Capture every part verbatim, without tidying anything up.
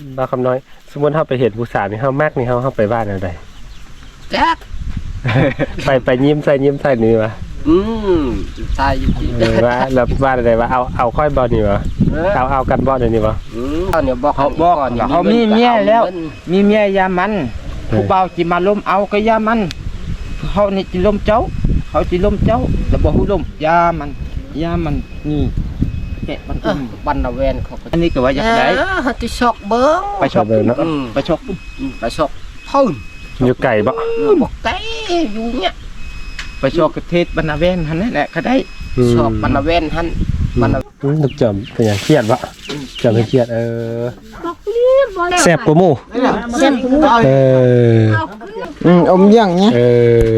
บ้าคำน้อยสมมติเขาไปเห็นผู้สาวนี่เขามากนี่เขาเขาไปบ้านอะไรแจ๊กไปไปยิ้มใส่ยิ้มใส่นี่วะอืมใช่จริงเออว่าแล้วบ้านอะไรวะเอาเอาค่อยบอลนี่วะเอาเอากันบอลนี่วะอืมเขาเนี่ยบอกเขาบอกเขามีเมียแล้วมีเมียยามันผู้เบาจิมาล้มเอาก็ยามันเขานี่จิล้มเจ้าเขาจิล้มเจ้าแล้วบอกผู้ล้มยามันยามันนี่แกะมันเออบันนาเวนเขาก็อันนี้ก็ว่าอยากได้ฮัตติช็อกเบิ้งไปชอบเลยเนาะอืมไปชอบอืมไปช็อกพุ่นอยู่ไก่บ่บอกไก่อยู่เนี่ยไปชอบกระเทศบรรณาเวนหันนั่นแหละก็ได้ชอบบันนาเวนฮันบันนาอืมลูกจำเป็นอย่างเครียดบ่จำเป็นเครียดเออบอกนี่บอกแซ่บกว่าหมู่เส้นหูเอออืมอมย่างเนี้ยเออ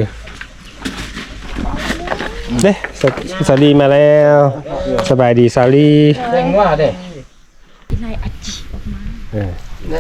เด้สสาลีมาแล้วสบายดีสาลีแดงว่าเด้นายอาจิออกมาเออ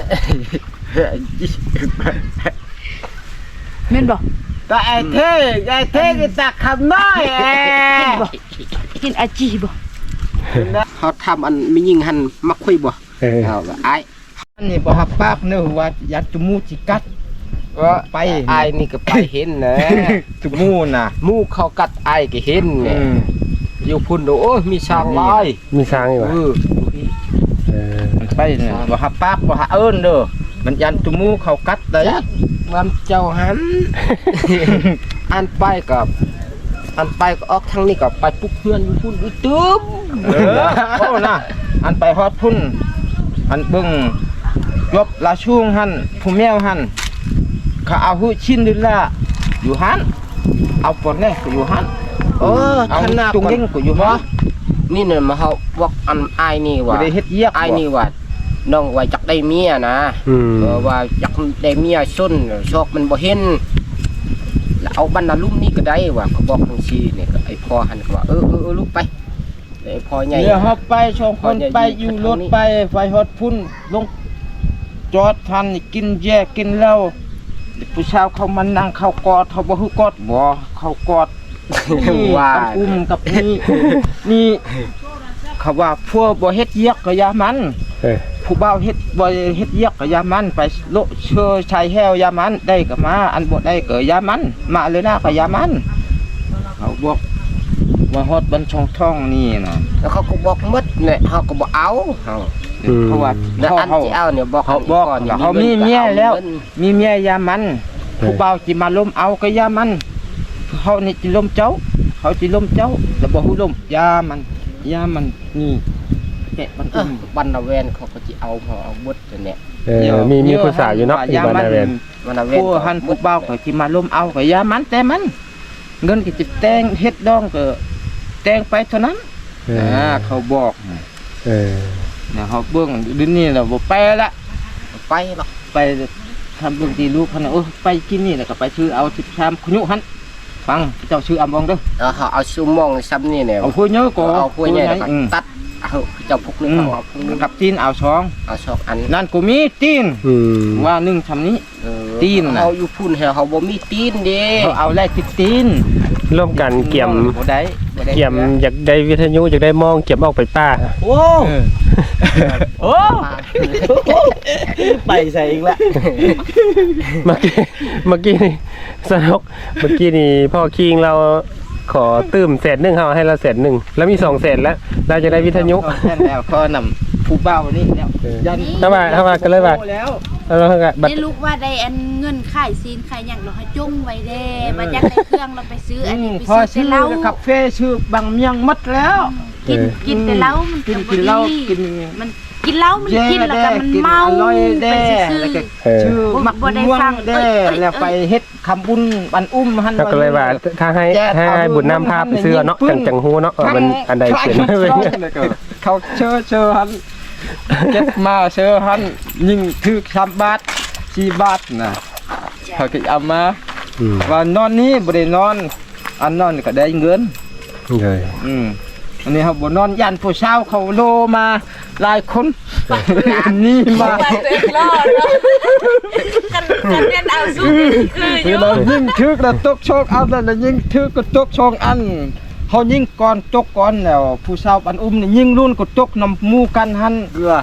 แม่นบอกก็ไอ้เท่ไอ้เท่ก็ตักคำน้อยเอ้กินอาจิบอกเขาทำอันไม่ยิงหันมักคุยบ่เออเอาไอ้อันนี้บ่ฮับปากเนื้อว่ายัดจมูกจิกัดก็ไปไอ้นี่ก็ไปเห็นนะจมูกน่ะมูกเขากัดไอ้ก็เห็นเนี่ยอยู่พุ่นดูโอ้ยมีช้างลายมีช้างอยู่วะเออเออมันไปเนี่ยบ่ฮับปากบ่ฮับเอิ้นเด้อมันยันจมูกเขากัดได้จักมันเจ้าหัน อันไปกับอันไปก็ออกทางนี้ก็ไปปุ๊บเพื่อนอยู่พุ่นอีตึมเออโอ้น่ะอันไปฮอดพุ่นอันเบิ่งยบลาช่วงหันผู้แมวหันเขาเอาหูชิ้นดิละอยู่หันเอาปนแน่ก็อยู่หันเออเอาขนาดจุงเล่งก็อยู่หันนี่เนี่ยมาเขาบอกอันไอ้นี่บ่ว่าได้เฮ็ดเยียกไอ้นี่ว่าน้องว่าจักได้เมียนะอืมเออว่าจักได้เมียซุนชอกมันบ่เห็นแล้วเอาบรรณาลุ่มนี่ก็ได้ว่าเขาบอกทังชีเนี่ยก็ไอ้พ่อหันก็ว่าเออเออเออลูกไปไอ้พ่อใหญ่เดี๋ยวเฮาไปชองคนไปอยู่รถไปไปฮอดพุ่นลงจอดทันกินแยกกินเหล้าผู้ชายเขามานั่งเข้ากอดเขาบ่ฮู้กอดบ่เขากอด นี่ว่ากับอุ้มกับนี่นี่เขาว่าพวกบ่เฮ็ดเยียกก็อยามันเออผู้บ่าวเฮ็ดบ่เฮ็ดเยียกก็อยามันไปโลเชื่อชายแฮวยามันได้ก็มาอันบ่ได้ก็อยามันมาเลยนะก็อยามันเขาบอกว่าฮอดบันช่องท้องนี่นะแล้วเขาก็บอกหมดเนี่ยเขาก็บ่เอาเฮาเพราะว่าแล้วเขาอันเขาที่เอาเนี่ยบอกเขาบอกก่อนอย่งเขามีเมียแล้วงินมีเมียอยามันผู้บ่าวจิมาล้มเอาก็อยามันเขานี่จิล้มเจ้า เขาจิล้มเจ้าแล้วบ่ฮู้ล้มยามันยามันนี่แกะมันเออุ้อมบรรณาเวนเขาก็จะเอาเขาเอาหมดตัวเนี่ยเออมีมีผู้สาวอยู่เนาะอยู่บ้านนาเวนบรรณาเวนผู้หันผู้เบาก็สิมาล้มเอาก็ยามันแต่มัน เงินก็สิแต่งเฮ็ดดองก็แต่งไปเท่านั้นเอออ่าเขาบอกเออนะเขาเบิ่งเดี๋ยวนี้แล้วบ่ไปละไปหรอกไปทำเบิ่งที่ลูกเขาน่ะเออไปกินนี่แล้วก็ไปซื้อเอาสิบชามขยุหันฟังเจ้าชื่ออำบองเด้อเอาเขาเอาซูมองซ้ำนี่เนี่ยเอาผู้เยอะก็เอาพวกใหญ่แล้วก็อืมตัดเอาเจ้าพวกนึงอืมเอาเอาพวกนึงกับตีนเอาสองเอาชอกอันนั่นก็มีตีนอืมว่าหนึ่งทำนี้เออตีนน่ะเขาอยู่พุ่นเหรอเขาบ่มีตีนเด้เขาเอาแลกติดตีนร่วมกันเกี่ยมบ่ได้บ่ได้เกี่ยมอยากได้วิทยุอยากได้มองเกี่ยมออกไปป้าโอ้โอ้ไปใส่อีกแล้วเมื่อกี้เมื่อกี้นี่สนุกเมื่อกี้นี่พ่อคิงเราขอตื้มแสนหนึ่งเขาให้เราแสนหนึ่งแล้วมีสองแสนแล้วเราจะได้วิทยุแค่แล้วก็นำผู้เบานี่แล้วเออยันเข้ามาเข้ามากันเลยว่าแล้วแล้วเราก็บัตรได้ลูกว่าได้อันเงินขายซีนขายอย่างเราให้จุ้งไว้เด้บัดยักได้เครื่องเราไปซื้ออันนี้ไปพอซื้อชื่แต่อเหล้าคาเฟ่ชื่อบางเมียงมัดแล้วกินกินแต่เหล้ามันกินกินเหล้ากินมันกินเหล้ามันกินแล้วก็มันเมาอร่อยไปแด้ซื้อแล้วก็เออชื่อมักบ่ได้ม่วงฟังแด้เอ้ยเอ้ยแล้วไปเฮ็ดคำบุญบันอุ้มหันเขาก็เลยว่าถ้าให้ถ้าให้บุญน้ำภาพไปซื้อเนาะจังจังฮูเนาะเออมันอันใดเขียนไว้เลยเขาเชิญเชิญหันเก็บมาเชิญหันยิงถือสามบาทสี่บาทนะเขาก็เอามาอืมว่านอนนี้บ่ได้นอน อันนอนก็ได้เงินเลยอืมอันนี้ครับบ่นอนยันผู้เช้าเขาโลมาหลายคนนี่มาไปเต็มรอดเนาะกันกันเรียนเอาสู้คืออยู่เรายิงทึกแล้วตกโชคเอาแล้วยิงทึกก็ตกโชคอันเขายิงก่อนตกก่อนแล้วผู้เช้าปันอุ้มนี่ยิงรุ่นก็ตกนำหมู่กันหันเกลือ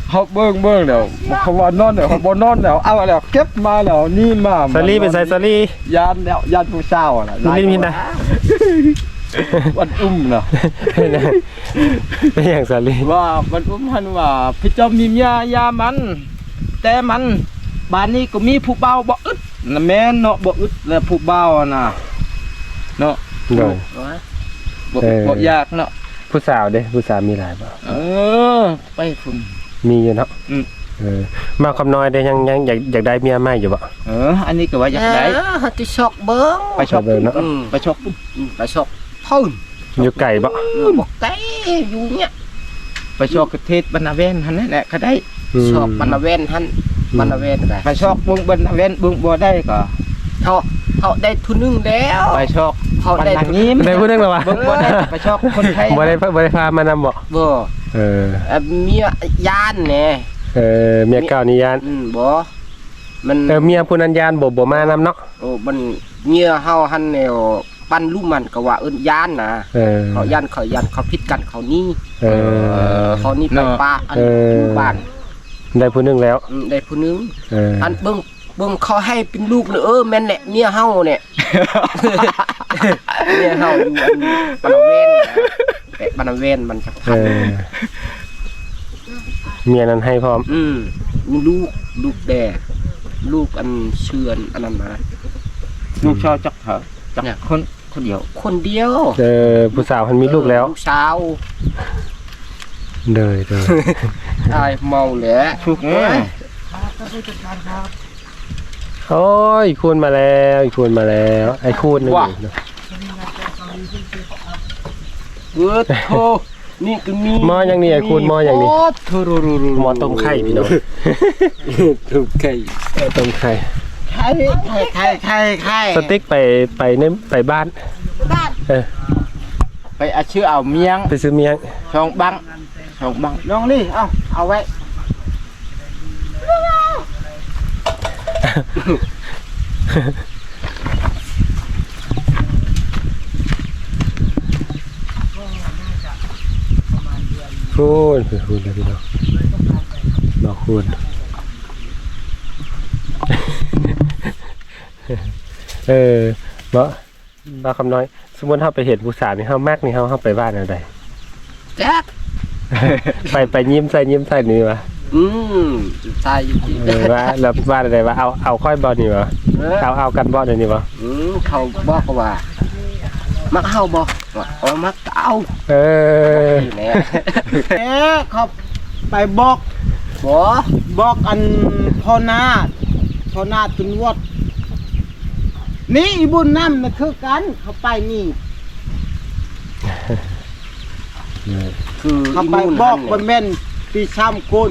เขาเบิ่งเบิ่งแล้วเขาว่านอนแล้วเขาบ่นอนแล้วเอาแล้วเก็บมาแล้วนี่มาสาลีเป็นไสสาลียานแล้วยานผู้สาวน่ะสาลีมีนะวันอุ้มน่ะเป็นอย่างสาลีว่ามันอุ้มหันว่าพี่เจ้ามีเมียยามัน แต่มันบ้านนี้ก็มีผู้เบาบ่อึดน่ะแม่นเนาะบ่อึดแล้วผู้เบาน่ะเนาะโดยบ่เออบ่ยากเนาะผู้สาวเด้ผู้สาวมีหลายบ่เออไปคุณมีอยู่เนาะอืมเออมาคำน้อยได้ยังยังอยากอยากได้เมียใหม่อยู่บ่เอออันนี้ก็ว่าอยากได้เออติชอกเบิ้งไปชอบไปเบิ่งเนาะอืมไปชอบอืมไปชอกพุ่นอยู่ไก่บ่เออบอกไกอยู่เนี่ยไปชอบประเทศบรรณาเวนหั่นนั่นแหละก็ได้ชอกบรรณเวนหันบรรณเวนก็ไปชอบเบิ่งบรรณาเวนเบิ่งบ่ได้ก็เขาเขาได้ทุนนึงแล้วไปชอบเขาบรรได้ณางิมได้พูดเรื่องแล้ววะเบิ่งบ่ได้ก็ไปชอบคนไทยบ่ได้บ่ได้พามานำบ่บ่เออเอ่อเมียยานแหน่เออเมียเก่านี่ยานอืมบ่มันเออเมียผู้นั้นยานบ่บ่มานำเนาะโอ้มันเมียเฮาหันแนวปั้นลูกมันก็ว่าเอิ้นยานนะเออเขายันเขายันเขาผิดกันเขานี่เออเขานี่ไปป้าอันเอออยู่บ้านได้ผู้หนึงแล้วอืมได้ผู้หนึงเอออันเบิ่งเบิ่งเขาให้เป็นลูกเลยเออแม่นแหละเมียเฮาเนี่ย เมียเฮาอยู่อันบรรณเวนนะแต่บรรณเวนมันจะเออเมียนั้นให้พร้อมอืมมีลูกลูกแด่ลูกอันเชือนอันนั้นนะลูกชอบจักเถอะจักเนี่ยคนคนเดียวคนเดียวเออผู้สาวมันมีลูกแล้วลูกสาวเด้อเด้อตายเมาแหละถูกแน่โอ้ยอีกคูณมาแล้วอีกคูณมาแล้วไอ้คูณนึงเนาะเออโธ่นี่ก็มีหม้อยังนี่ไอ้คูณหม้อยังนี่โอ้โธ่รูรูรูหม้อต้มไข่พี่น้องถูกไข่เออต้มไข่ไข่ไข่ไข่ไข่ไข่สติ๊กไปไปในไปบ้านบ้านเออไปเอาชื่อเอาเมียงไปซื้อเมียงช่องบังช่องบังลองนี่เอาเอาไว้คูณคือคูณเลยพี่น้องมาคูณ เออบ่บ่คำน้อย สมมุติเฮาไปเห็นผู้สาวนี่เฮามักนี่เฮาเฮาไปบ้านอะไรแจ๊กไปไปยิ้มใส่ยิ้มใส่นี่วะอืมตายอยู่ที่เออว่าแล้วบ้านอะไรวะเอาเอาค่อยบ่นี่วะเออเอาเอากันบ่เดี๋ยวนี้วะอืมเขาบอกว่า มักเฮาบ่ว่าเอามักเอาเออนี่แหละเอ๊ะเขาไปบอกบ่บอกอันพ่อนาฏพ่อนาฏตุนวดนี่อีบุญน้ำนะคือกันเขาไปนี่คือเขาไปบอกบนแม่นปีซ้ำกุน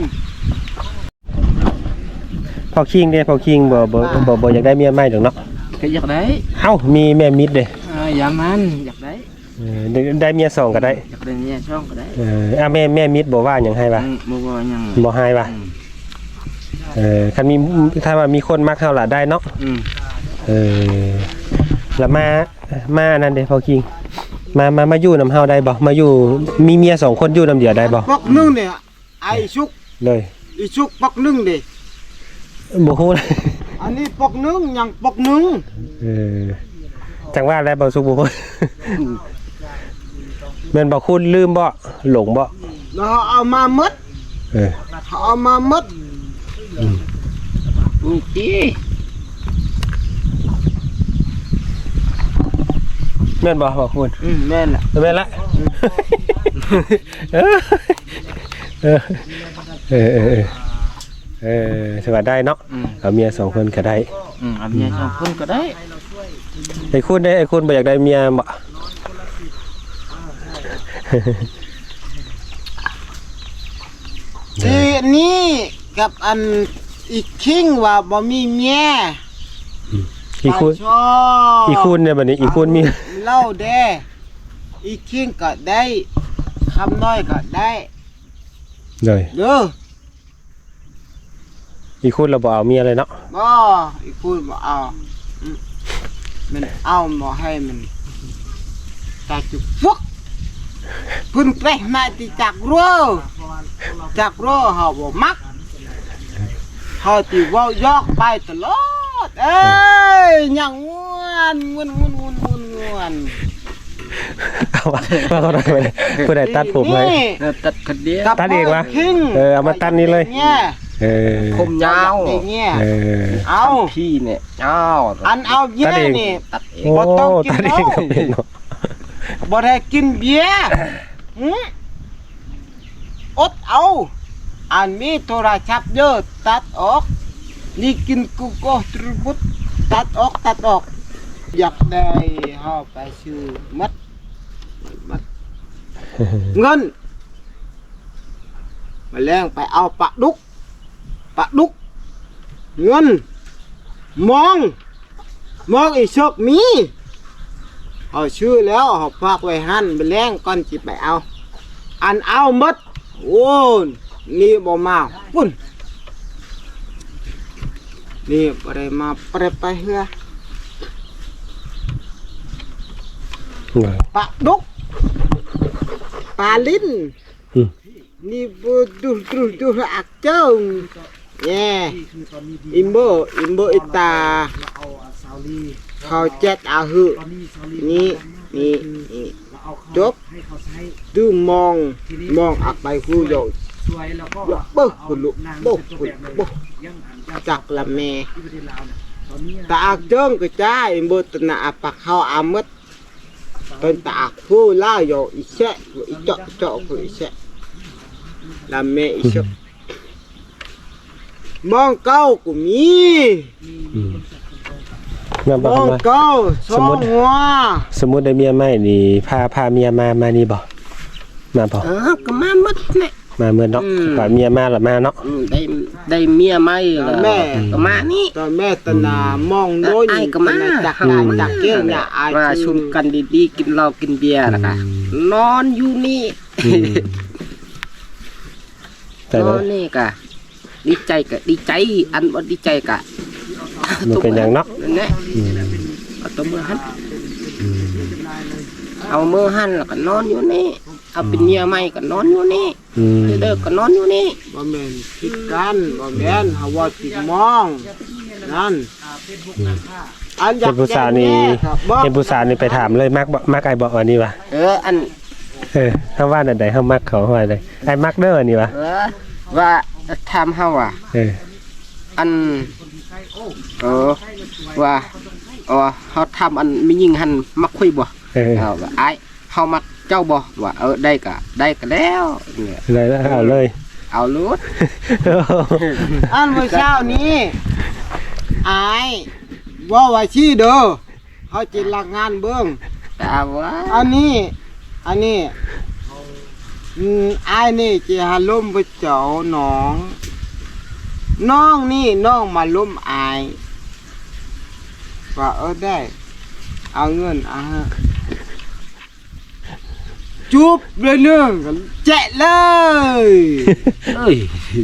พอคิงเด้พอคิงบ่บ่บ่บ่อยากได้เมียใหม่ดอกเนาะก็อยากได้เอ้ามีแม่มิดเด้เอออย่ามันอยากได้เออได้ได้เมียสองก็ได้อยากได้เนี่ยช่องก็ได้เอออ่ะแม่แม่มิดบ่ว่าหยังให้วะอืมบ่ว่าหยังบ่ให้วะอืมเออคันมีถ้าว่ามีคนมักเฮาล่ะได้เนาะอืมเออแล้วมามานั่นเด้พอคิงมามามาอยู่นำเฮาได้บ่มาอยู่มีเมียสองคนอยู่นำเดียวได้บ่ปอกนึงเนี่ยไอชุกเลยอีชุกปอกนึงเด้บ่ฮู้เลยอันนี้ปอกนึงยังปอกนึงเออจังว่าแล้วบ่สุกบ่ฮู้ แม่นบ่คุณลืมบ่หลงบ่แล้วเขาเอามาหมดเออเขาเอามาหมดนี่ติแม่นบ่บ่คุณอืมแม่นล่ะแม่นละเออเออเออเออเออสวัสดีได้เนาะอืมเอาเมียสองคนก็ได้อืมเอาเมียช่องคนก็ได้ไอ้คุณได้ไอ้คุณบ่อยากได้เมียบ่ทีนี้กับอันอีกคิงว่าบ่มีเมียอีคุณชอบอีคุณเนี่ยบัดนี้อีคุณมีเล่าเด้อีกคิงก็ได้คำน้อยก็ได้เลยเด้ออีคุณเราบ่เอาเมียเลยเนาะบ่อีกคุณบ่เอาอืมมันเอาบ่ให้มันตาจุกฟุกเพิ่นไปมาที่จักรัวจักรัวเฮาบ่มักเฮาสิเว้ายอกไปตลอดเอ้ยยังง่วนง่วนง่วนง่วนง่วนง่วนเอามาว่าเขาได้ไปผู้ใดตัดผมเลยเออตัดคนเดียวตัดเองวะคิงเออเอามาตัดนี่เลยเนี่ยเออผมยาวอย่างเงี้ยเออเอาพี่เนี่ยยาวอันเอาเยตัดอะเองนี่ตัดเองโอ้บ่ต้องกินตัดเองก็เป็นเนาะบ่ได้กินเบียร์หืมอดเอาอันมีโทรศัพท์เยอะตัดออกนี่กินกุโกตรุบุตตัดออกตัดออกอยากได้เฮาไปซื้อมัดมัดเงินมาแรงไปเอาปลาดุกปลาดุกเงินมองมองอีกชกมีเอาชื่อแล้วเอาฝากไว้หันไปแรงก่อนจิไปเอาอันเอาหมดโอ้นี่บ่มาปุ่นนี่บ่ได้มาไปไปเฮือปลาดุกปลาลิ้นอืมนี่บูดูดูดูอักเจ้าแย่อิมโบอิมโบอิตาเขาเจ็ดอาหือนี่นี่นี่จบดูมองมองอักไปคูโยกยกเบิกคุลุโบคุโบจักละแม่ตาอักเจิ้งก็จ้าอิมโบตนาอัปะเขาอามัดเป็นตาอักคูล่าโยอีเชะอีเจาะเจาะคุอีเชะละแม่อีเชะมองเก้ากูมีอืมแม่นมบ่องทำไมเก้าสสอมมุงติหัวสมมุติได้เมียใหม่นี่พาพาเมียมามานี่บ่มาบ่เออก็มาหมดแหละมาเมื่อเนาะอืมว่าเมียมาแล้วมาเนาะอืมได้ได้เมียใหม่แล้วก็มานี่ตอนแม่ตนามองโน้นไอ้ก็มาจักรานจักเกี้ยงเนี่ยไอ้มาชุมกันดีๆกินเหล้ากินเบียร์แล้วก็นอนอยู่นี่อืมแต่นละอนนี่ก็ดีใจก็ดีใจอันบ่ดีใจก็มันเป็นหยังเนาะนั่นแหละอืมเอาตัวมือหันเอามือหันแล้วก็นอนอยู่นี่เอาเป็นเมียใหม่ก็นอนอยู่นี่อืมเด้อก็นอนอยู่นี่บ่แม่นคิดกันบ่แม่นเฮาว่าติดมองนั่นอันอยาเห็กนผู้สาวนี่แย่ครับบ่เห็นผู้สาวนี่ไปถามเลยมักบ่มักไอ้บ่อันนี้วะเอออันเออเฮาว่าอันใดเฮามักเขาเฮาว่าอันใดไอ้มักเด้ออันนี้วะเออว่าทำเฮาอ่ะเอออันเออว่าอ๋อเฮาทำอันมียิงหันมักคุยบ่เออเอาว่าอ้ายเฮามักเจ้าบ่ว่าเออได้ก็ได้ก็แล้วเนี่ยเลยแล้วเอาเลยเอาลูดอันเมื่อเช้านี้อายว่าว่าชื่อเด้อเฮาจิลักงานเบิ่งแต่ว่าอันนี้ อันนี้อืมอายนี่จะหาลมไปเจ้าน้อง น้องนี่น้องมาล้มอายว่าเออได้ เอาเงินอ่ะฮะจุบเลยเรื่องกันแจะเลยเอ้ย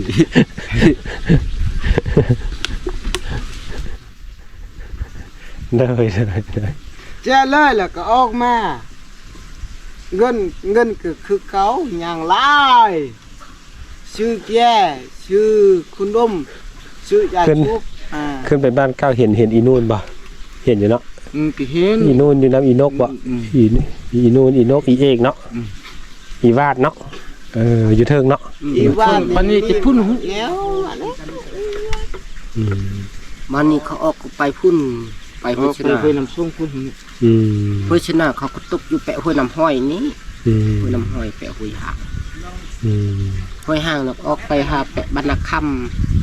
เลยเลยเลยแจะเลยแล้วก็ออกมา เงินเงินก็คือเขาอย่างไรชื่อแก่ชื่อคุณดมชื่อยาชุบอ่าขึ้นไปบ้านเก้าเห็นเห็นอีนูนบ่เห็นอยู่เนาะอืมก็เห็นอีนูนอยู่น้ำอีนกบ่อืมอีอีนูนอีนกอีเอกเนาะอืมอีวาดเนาะเอออยู่เทิงเนาะอีว่ามันนี่จะพุ่นหุ่นแล้วอันนี้อืมมันนี่เขาออกไปพุ่นไปเอาพุ่นชไปนะไปน้ำส้มคุณอืมพุ่นชนะเขาก็ตกอยู่แปะห้วยน้ำห้อยนี้อืมห้วยน้ำห้อยแปะห้วยหางอืมห้วยหางแล้วก็ออกไปหาแปะบรรณคำ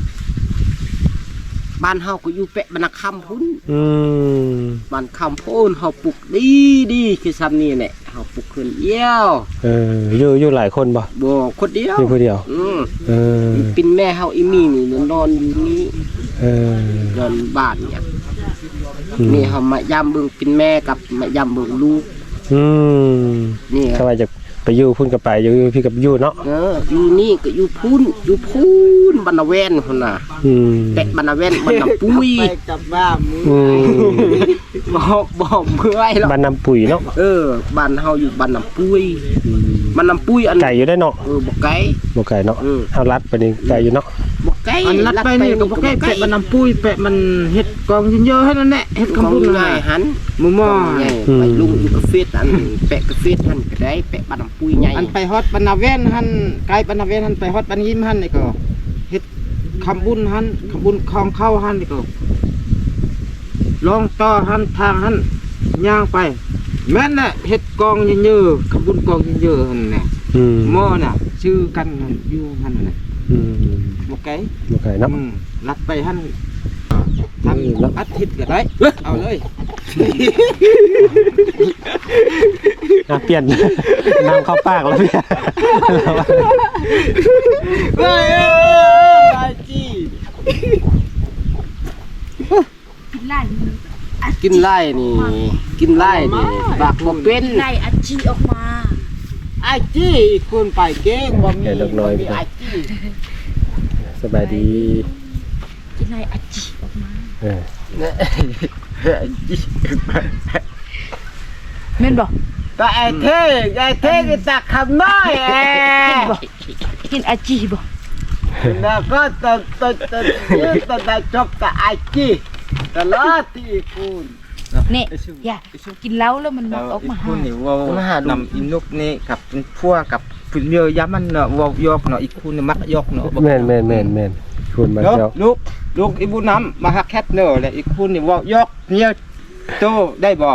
บ้านเฮาก็อยู่แปะบรรณคำพุ่นอืมบ้านคำพูนเฮาปลูกดีดีคือซ้ำนี่แหละเฮาปลูกขึ้นเยี่ยวเอออยู่อยู่หลายคนบ่บ่คนเดียวอยู่ผู้เดียวอืมเออเป็นแม่เฮาอีมีนี่นอนอยู่นี่เออนอนบ้านเนี่ยอืมนี่เฮามายามเบิ่งเป็นแม่กับมายามเบิ่งลูกอืมนี่คถ้ารับว่าจะไปอยู่พุ่นกับไปอยู่พี่กับอยู่เนาะเอออยู่นี่ก็อยู่พุ่นอยู่พุ่นบรรณแวนพุ่นน่ะอืมแปะบรรณแวนบรรณปุ้ยไปกับบ้านมืออืมบ่บ่เมื่อยแล้วบ้านน้ำปุ๋ยเนาะเออบ้านเฮาอยู่บ้านน้ำปุ้ยอืมมันน้ำปุ้ยอันไก่อยู่ได้เนาะเออบ่ไก่บ่ไก่เนาะอืมเอารัดไปนี่ไก่อยู่เนาะบ่ไก่อันลัดไปนี่ก็บ่แก้แปะมันน้ำปุ้ยแปะมันเฮ็ดกองเยอะๆให้นั่นแหละเฮ็ดของคำบุญง่ายหันหมู่หม้อใหญ่ไปลุงอยู่กาแฟอันแปะกาแฟหันก็ได้แปะบ้านน้ำปุ้ยใหญ่อันไปฮอดบรรณาเวนหันไกลบรรณาเวนหันไปฮอดบรรยิ้มหันนี่ก็เฮ็ดคำบุญหันคำบุญคลองเข้าหันนี่ก็ลองต่อหันทางหันย่างไปแม่นน่ะเฮ็ดกองเยอะๆคำบุญกองเยอะๆหั่นน่ะอืมหม้อน่ะชื่อกันหั่นอยู่หันน่ะอืมบ่ไกลบ่ไก่เนาะอืมลัดไปหันทำอาทิตย์ก็ได้เอาเลยอ่ะเปลี่ยน น้ำเข้าปากแล้วเปลี่ยนเฮ้ยไอ้จีกินไล่มือกินไล่นี่กินไล่นี่ปากบ่เป็นไล่อาจีออกมาไอ้จีคนไปเก่งบ่มีแก่ดอกน้อยบ่มีไอ้จีสบายดีกินไล่อาจีออกมาเออแม่นบ่แต่ไอ้เท่ไอ้เท่ก็ตักคำน้อยแอกินอาจีบ่แล้วก็ตอนตอนตอนยืดตอนได้จบกับไอ้จีตลอดที่คุณนี่อย่ากินเหล้าแล้วมันมักออกมาหาคุณนี่ว่านำอินุกนี่กับเป็นพวกกับผู้เมียยามันเนาะว่ายอกเนาะอีกคุณนี่มักยอกเนาะแม่นแม่นแม่นแม่นคุณมาเนาะเจ้าลูกลูกอีบุน้ำมาฮักแคทเนอร์และอีกคุณนี่ว่ายอกเมียโตได้บ่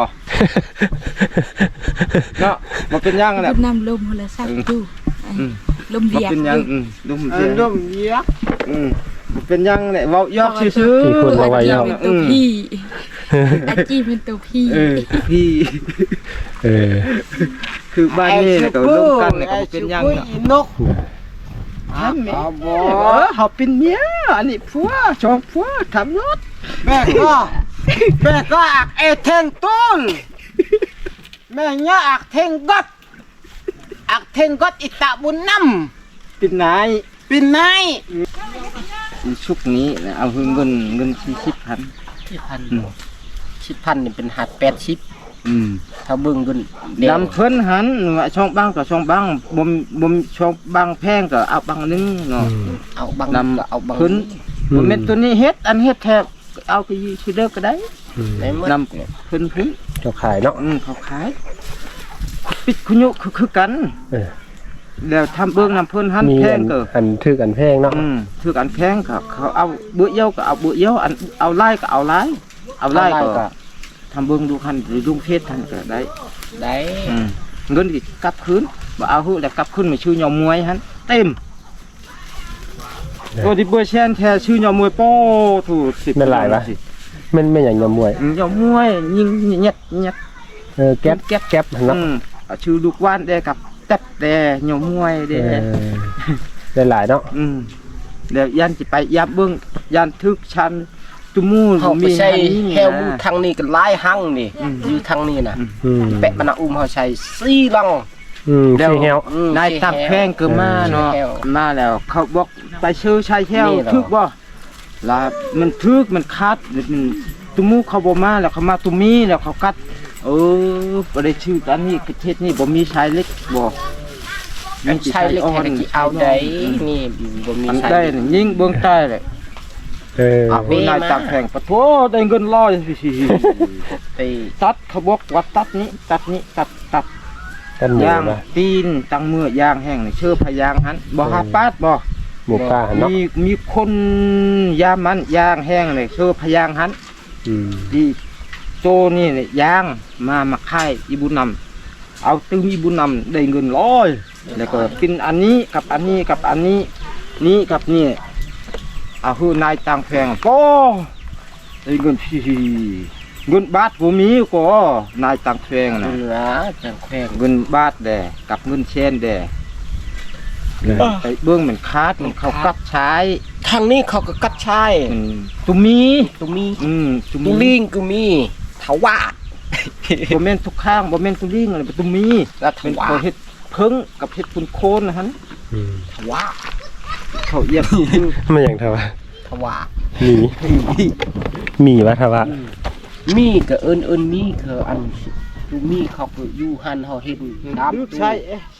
เนาะมันเป็นยังแหละน้ำลมโทรศัพท์ดูอืมลมมันเบียกเป็นยังอืมลมเบียกลมเบียกอืมมันเป็นยังแหละว่ายอกซื่อที่คุณมาไว้อาจียาวเป็นตัวพี่อาจีเป็นตัวพี่เออพี่เออคือบ้านนี้ก็ร่วมกันเนี่ยก็บ่เป็นยังเนาะนกอ่ะบ่เขาเป็นเมียอันนี้ผัวชอบผัวทำรถแม่ก็แม่ก็อักเอเทงต้นแม่เนี่ยอักเทงกดอักเทงกดอิตาบุญน้เป็นนายำเป็นนายชุกนี้นะเอาเงินเงินสี่สิบพันที่พันชิดพันนี่เป็นหัดแปดชิปอืมถ้าเบิ่งกันลำเพิ่นหันว่าช่องบ้างกับช่องบ้างบ่มบ่มช่องบ้างแพงก็เอาบ้างนึงเนาะเอาบางนำก็เอาบางเพิ่นบ่แม่นตัวนี้เฮ็ดอันเฮ็ดแทบเอาไปซื้อเด้อก็ได้อืมในเมื่อนำเพิ่นเพิ่นเจ้าขายเนาะอืมเขาขายปิดคุยุคือคือกันเออแล้วทำเบิ่งนำเพิ่นหันมีแพอังนก็อันถือกันแพงเนาะอืมถือกันแพงก็เขาเอาเบื่อเยี่ยวก็เอาเบื่อเยี่ยวอันเอาไล่ก็เอาไล่เอาไล่ก็ทำเบิ่งดูคันหรือลุงเพชรทันก็ได้ได้อืมเงินอีกกลับคืนบ่เอาหื้อแล้วกลับคืนมาชื่อยอมมวยหันเต็มตัวที่เบอร์แชนแท้ชื่อยอมมวยโป้ถูกสิบแม่นหลายปะแม่นแม่นหยังยำมวยอืมยอมมวยยิงเย็ดเย็ดเออแก๊ปแก๊ปแก๊ปเนาะอืมเอาชื่อลูกว่านได้กับแต๊บแต่ยอมมวยเอเด้อได้หลายเนาะอืมแล้วยันสิไปยับเบิ่งยันทึกชันจุมูเขาไปมีใช้อันนี้แฮวบูทางนี้ก็หลายหังนี่อืมอยู่ทางนี้น่ะอืมแปะบรรณาอุ้มเขาใช้สี่ลังอืมขี้แฮวอืมนายตับแพงก็มาเนาะแก้วมาแล้ว เขาบอกไปชื่อชายแก้วนี่เหรอทึกบ่ลามันทึกมันคัดมันตุมูเขาบ่มาแล้วเขามาตุมีแล้วเขากัด เออบ่ได้ชื่ออันนี้ประเทศนี้บ่มีชายเล็กบ่อันใช้เล็กแค่กี่เอาได้นี่บ่มีอันใช้ได้นี่ยิงเบิ่งใต้เลยเออเอาเพิ่นนายตับแพงปะโถได้เงินร้อยไปตัดเขาบอกว่าตัดนี้ตัดนี้ตัดตัดกันหมูย่างนะตีนตังมือย่างแห้งนี่ชื่อพะยางหันบ่หาปาดบ่หมูป่าเนาะมีมีคนยามมันย่างแห้งเลยชื่อพะยางหันอืมดีโจนี่เนี่ยย่างมามาค่ายอีบุญนำเอาตึงอีบุญนำได้เงินร้อยแล้วก็กินอันนี้กับอันนี้กับอันนี้นี้กับนี่เอาคือนายตังแพงโป้ได้เงินพี่เงินบาทบ่มีก็นายตังแพงนะเหนือจังแขวงเงินบาทแดกับเงินเชนแดไปเบื้องเหมือนคาดมันเขากัดใช้ทางนี้เขาก็กัดชายอืมตุมีตุมีอืมตุตุมีลิงก็มีทวาดบ่แม่นทุกข้างบ่แม่นตุลิงอะไรบ่ตุมีและทเป็นวาเขาดเฮ็ดเพิ่งกับเฮ็ดปุนโคนนะฮะอืมทวาดเขาเอียบคือไม่อย่างทว่าทวาดหมีหมีวะทว่ามีก็เอิ้นเอิ้นมีคืออันตุมีเขาก็อยู่หันเขาเห็นดำใช่เอ๊ะ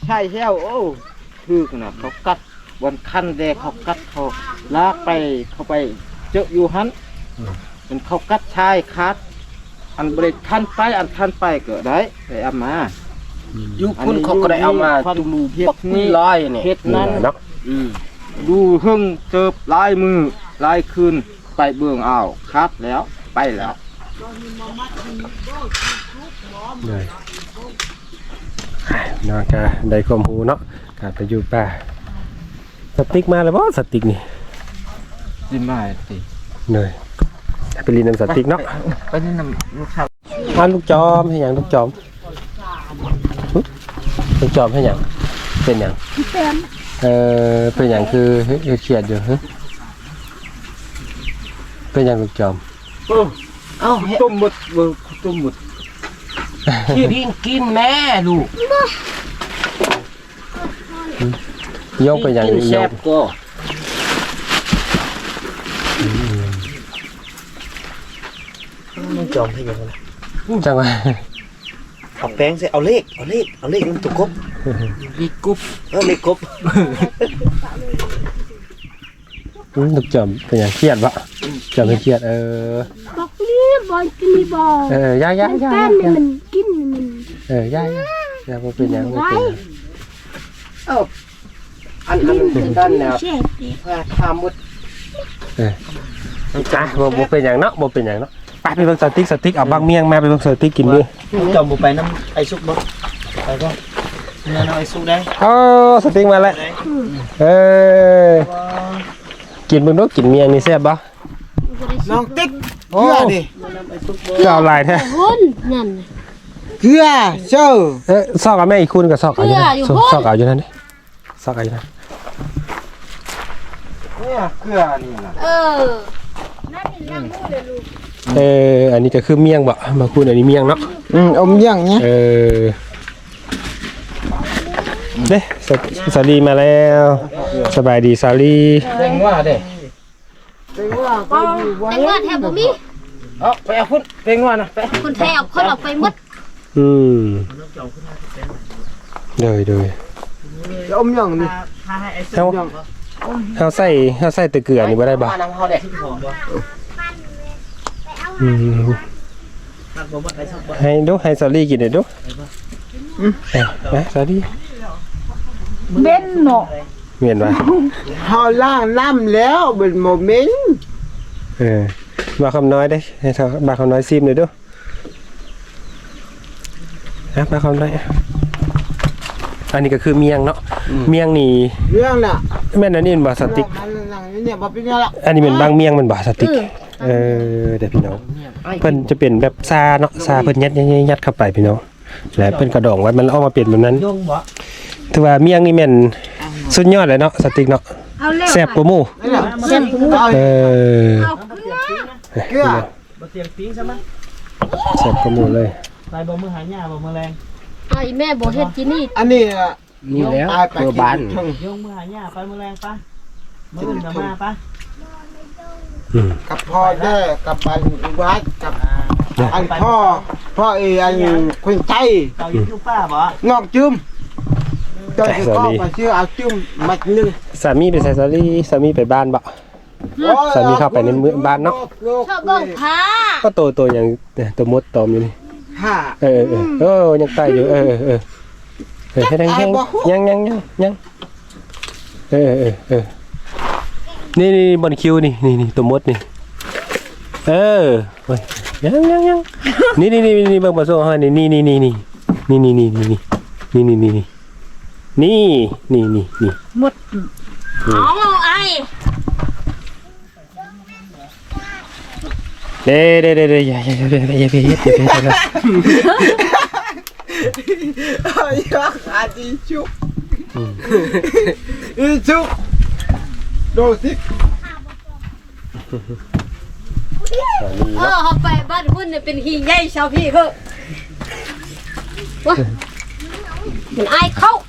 ใช่แล้วโอ้คือขนาดเขากัดวันคันแดเขากัดเขาลากไปเข้าไปเจออยู่หันมันเขากัดชายคัดอันบริทันไปอันทันไปก็ได้ไปเอามายุคคุณเขาก็ได้เอามาตุลูเฮ็ปัดกนี่นี่ร้อยนี่เฮ็ดนั้นเนาะอืมดูหึ่งเจิบลายมือลายคืนไปเบื้องเอาคัดแล้วไปแล้วเลยเนาะก็ได้ความรู้เนาะการไปอยู่ป่าสติ๊กมาแล้วบ่สติ๊กนี่สิมาสิเลยไปเรียนน้ำสติ๊กเนาะไปนี่นำลูกชายงานลูกจอมให้หยังลูกจอมหึลูกจอมให้หยังเป็นหยังเออเป็นหยังคือเฮ็ดเครียดอยู่ฮะเป็นหยังลูกจอมโอ้เอ้าเฮ็ดต้มหมดเบิ่งต้มหมดที่ดินกินแม่ลูกโยกเป็นหยังกินโยแซ่กบก็มันจอมให้ยังไงจังหวะเอาแป้งใส่เอาเลขเอาเลขเอาเลขมันถูกครบมีกุ๊บเออเลขครบอืมลูกจอมเป็นหยังเครียดบ่จอมเป็นเครียดเออบอกนี่บอยกินนี่บอเออย่าย่าย่าแป้นนี่มันกินมันเออย่าย่าอย่าบ่เป็นหยังบ่เป็นหยังเอ้าอันอันด้านแนวเช็ดดิพาทำหมดเออจ้ะบ่บ่เป็นหยังเนาะบ่เป็นหยังเนาะไปไปเบิ่งสติ๊กสติ๊กเอาบางเมี่ยงมาไปเบิ่งสติ๊กกินดิจอมบุไปน้ำไอซุกบ่ไปก็เนี่ยน้ำไอซุกได้อ๋อสติ๊กมาแล้วเออกินเบิ่งดูกินเมี่ยงนี่แซ่บบ่น้องติ๊กเกลือดิก็เอาหลายแท้หุ่นนั่นเกลือเจ้าเอ้ยซอกเอาแม่อีกคุณก็ซอกเอาอยู่นั่นเกลืออยู่ซอกพุ่นซอกเอาอยู่นั่นดิซอกเอาอยู่นั่นเนี่ยเกลือนี่ล่ะเออเอออันนี้ก็คือเมี่ยงบ่มาคุณอันนี้เมี่ยงเนาะอืมอมย่างเนี้ยเออเด้สวสวัสดีมาแล้วสบายดีสาลีแตงว่าเด้แต่ว่าแทบบ่มีเอาไปเอาพุ่นแตงว่านะไปคนแทบคนเอาไปหมดอืมเดยเดยอมย่างนี่เฮาเฮาใส่เฮาใส่แตะเกียบนี่บ่ได้บ่มาน้ำเขาเด็กอืมให้ดูให้สาลีกินหน่อยดูอืมเอ้ยนะสาลีเบ้นเนาะเมียนว่าเฮาล้างน้ำแล้วเป็นโมเมนต์เออมาคำน้อยได้ให้เท่าบาคำน้อยซิมหน่อยดูนะบาคำน้อยอันนี้ก็คือเมียงเนาะเมียงนี่เรื่องน่ะแม่นอันนี้เป็นบาสติกมันนั่งอยู่เนี่ยบ่เป็นหยังละอันนี้เป็นบางเมียงมันบาสติกเออเดี๋ยวพี่น้องเพิ่นจะเป็นแบบซาเนาะซาเพิ่นยัดยัดยัดเข้าไปพี่น้องแล้วเพิ่นกระดองไว้มันออกมาเป็นแบบนั้นยงบ่ถือว่าเมียงนี่แม่นสุดยอดเลยเนาะสติกเนาะเอาแล้วแซ่บกว่าหมู่นั่นน่ะเส้นหูเอาเออเอาเกลือเกลือบ่เตียงปิ้งใช่ไหมแซ่บกว่าหมู่เลยไปบ่มือหายหญ้าบ่มือแรงไอ้แม่บ่เฮ็ดกินนี่อันนี้น่ะนี่แล้วตายไปเพื่อบ้านถึงยงมือหายหญ้าไปมือแรงปะมืออื่นก็มาปะอืมกับพ่อแด้กับอันวัดกับอันพ่อพ่อเออันคนใจเต่าอยู่ทุกป้าบ่งอกจุ่มตอนที่ก็ไปซื้อเอาจุ่มมัดหนึงสามีไปใส่สาลีสามีไปบ้านบ่ สามีเข้าไปในเมืองบ้านเนาะชอบเบิ่งผ้าก็โตโตอย่างเนี่ยตัวมดตอมอยู่นี่ห้าเออเออเออยังไต่อยู่เออเออเออเออให้ดังยังยังยังยังยังเออเออเออนี่นี่บนคิวนี่นี่นี่ตัวมดนี่เออเฮ้ยยังยังยังนี่นี่นี่นี่เบิ่งมาโซ่ให้นี่นี่นี่นี่นี่นี่นี่นี่นี่นี่นี่นี่นี่นี่นี่นี่เอาไอ้เด้เด้เด้เด้อย่าอย่าอย่าอย่าอย่าอย่าอย่าอย่าอย่าเอายักอาดิชุกอีชุกดูสิเออเฮาไปบ้านพุ่นเนี่ยเป็นขี้ใหญ่ชาวพี่เพิ่นวะมันอายเข้า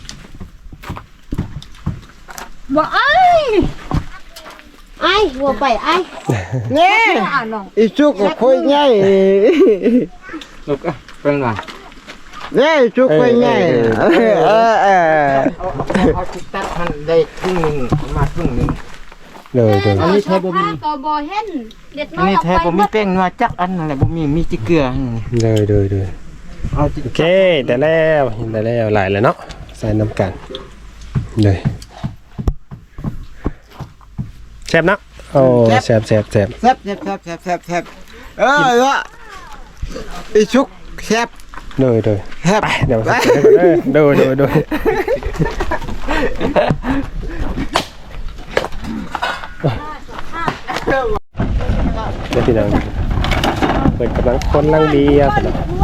บ่อายอายบ่ไปอายเนี่ยอ่าน้องอีชุกก็คุยง่ายลูกเป็นไงนี่จุกไปไงเออเออเออเอาเอาติดตัดมันได้ครึ่งนึงมาครึ่งนึงเลยเลยอันนี้แทบบ่มีก็บ่เห็นเด็ดน้อัอน ยนี้เอาแทไปบบ่มีแป้งนัวจักอันนั่นแหละบ่มีมีจิเกลือนี่เลยเลยเลยเอาจิโอเคแต่แล้วแต่แล้วหลายแล้วเนาะใส่น้ำกันเลยแซ่บเนาะโอ้แซ่บแซ่บแซ่บแซ่บแซ่บแซ่บแซ่บแซ่บแซ่บเออวะอีชุกแซ่บเลยเลยแซ่บไปเดี๋ยวเด้อเด้อเด้อเด้อเดี๋ยวพี่น้องเปิดกำลังคนลังเบียร์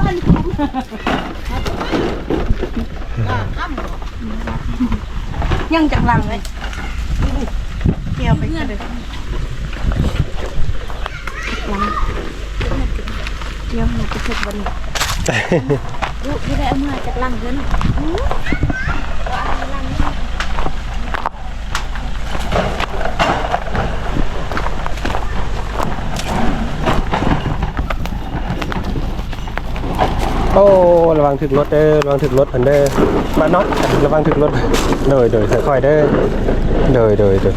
ยังจังหลังเลยเกี่ยวไปกันเลยเกี่ยวมันจะสุกวันนี้ลูกที่ได้เอามาจากหลังเด้อน่ะโอ้ระวังถึกรถเด้อระวังถึกรถอันเด้อมาน็อตระวังถึกรถเดยเดยค่อยๆเด้อเดยเดยเดย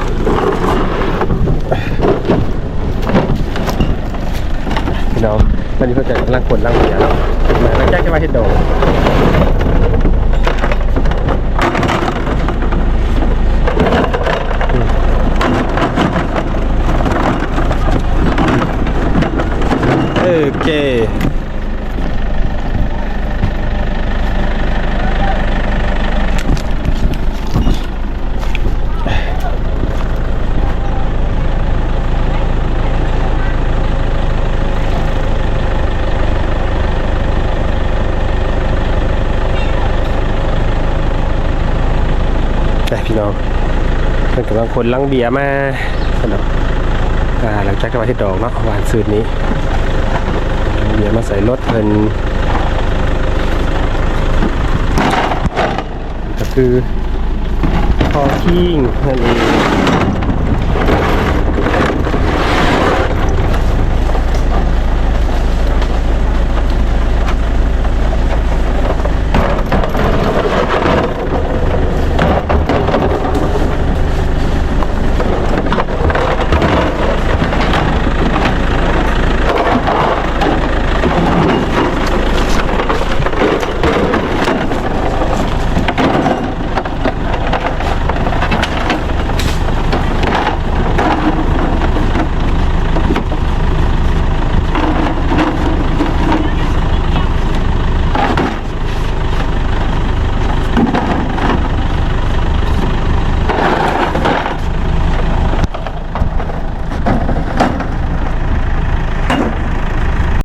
พี่น้องตอนนี้เพื่อนกำลังขนลังเบียร์แล้วถึงมาแล้วแจ้งจะมาที่โดงโอเคพี่น้องเพื่อนกำลังคนลังเบียร์มาสำหรับอ่าหลังจากที่มาที่ดอกเนาะหวานสืดนี้เบียร์มาใส่รถเพิ่นก็คือพอคิงนั่นเอง